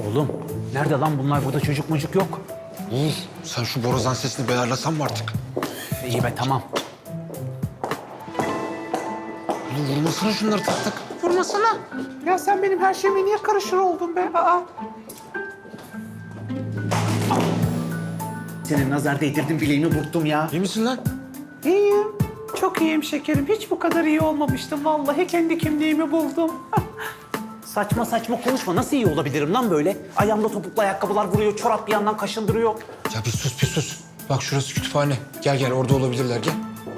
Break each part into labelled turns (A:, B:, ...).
A: Oğlum nerede lan bunlar? Burada çocuk mucuk yok.
B: Oğuz sen şu borazan sesini bir ayarlasan mı artık?
A: İyi be tamam.
B: Oğlum vurmasana şunları tak tak.
C: Vurmasana. Ya sen benim her şeyime niye karışır oldun be? Aa.
A: Senin nazar değdirdim bileğimi burktum ya.
B: İyi misin lan?
C: İyiyim. Çok iyiyim şekerim. Hiç bu kadar iyi olmamıştım. Vallahi kendi kimliğimi buldum.
A: Saçma saçma konuşma. Nasıl iyi olabilirim lan böyle? Ayağımda topuklu ayakkabılar vuruyor, çorap bir yandan kaşındırıyor.
B: Ya bir sus bir sus. Bak şurası kütüphane. Gel gel orada olabilirler gel.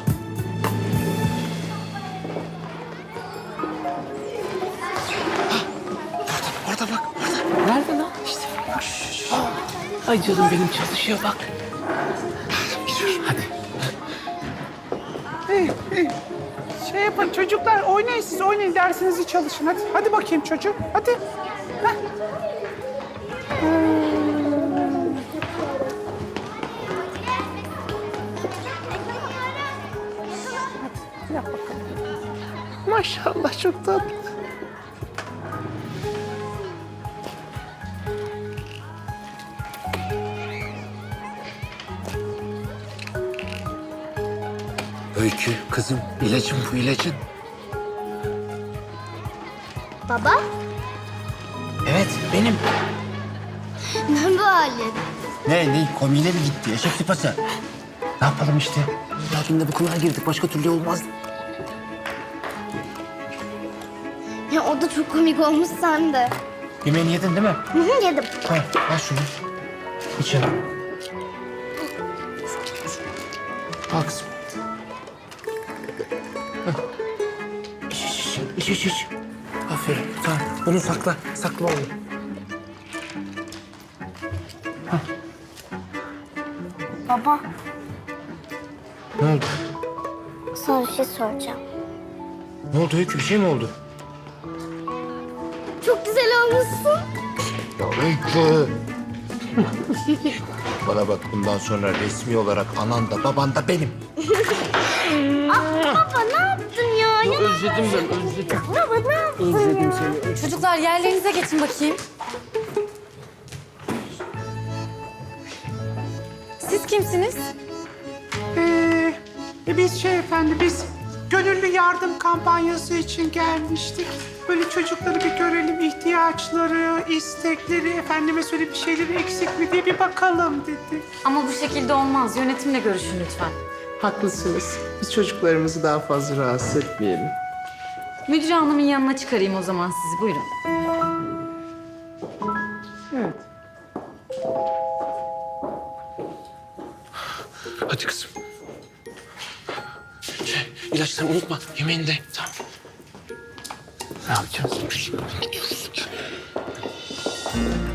B: Orada bak.
C: Nerede lan? İşte. Ay canım benim çalışıyor bak.
A: Hadi.
C: İyi, iyi. Şey yapın çocuklar oynayın siz oynayın dersinizi çalışın hadi. Hadi bakayım çocuğum hadi. Heh. Hadi yap bakalım. Maşallah çok tatlı.
B: Öykü kızım ilacın bu ilacın.
D: Baba,
A: Evet benim.
D: ne bu halin?
A: Ne komiğine mi gitti? Eşek sıpası. Ne yapalım işte? Hakimle bu kılığa girdik. Başka türlü olmaz.
D: Ya o da çok komik olmuş sen de.
A: Yemeğini yedin değil mi?
D: Hı hı, yedim.
A: Tamam al şunu. İç ya. Al kızım. İç. Aferin. Tamam. Bunu sakla. Sakla oğlum.
D: Baba,
B: Ne oldu?
D: sana bir şey soracağım.
B: Ne oldu Öykü bir şey mi oldu?
D: Çok güzel olmuşsun.
B: Ya Öykü. Bana bak bundan sonra resmi olarak anan da baban da benim.
D: Baba ne yaptın ya?
B: Özledim ben özledim.
D: Baba ne yaptın ya?
E: Çocuklar yerlerinize geçin bakayım. Siz kimsiniz?
C: Biz biz gönüllü yardım kampanyası için gelmiştik. Böyle çocukları bir görelim, ihtiyaçları, istekleri, efendime söyle bir şeyleri eksik mi diye bir bakalım dedik.
E: Ama bu şekilde olmaz. Yönetimle görüşün lütfen.
C: Haklısınız. Biz çocuklarımızı daha fazla rahatsız etmeyelim.
E: Müdür hanımın yanına çıkarayım o zaman sizi. Buyurun.
C: Evet.
B: Hadi kızım. İlaçları unutma yemeğini de. Tamam.
A: Ne yapacağız?
B: Gidiyoruz.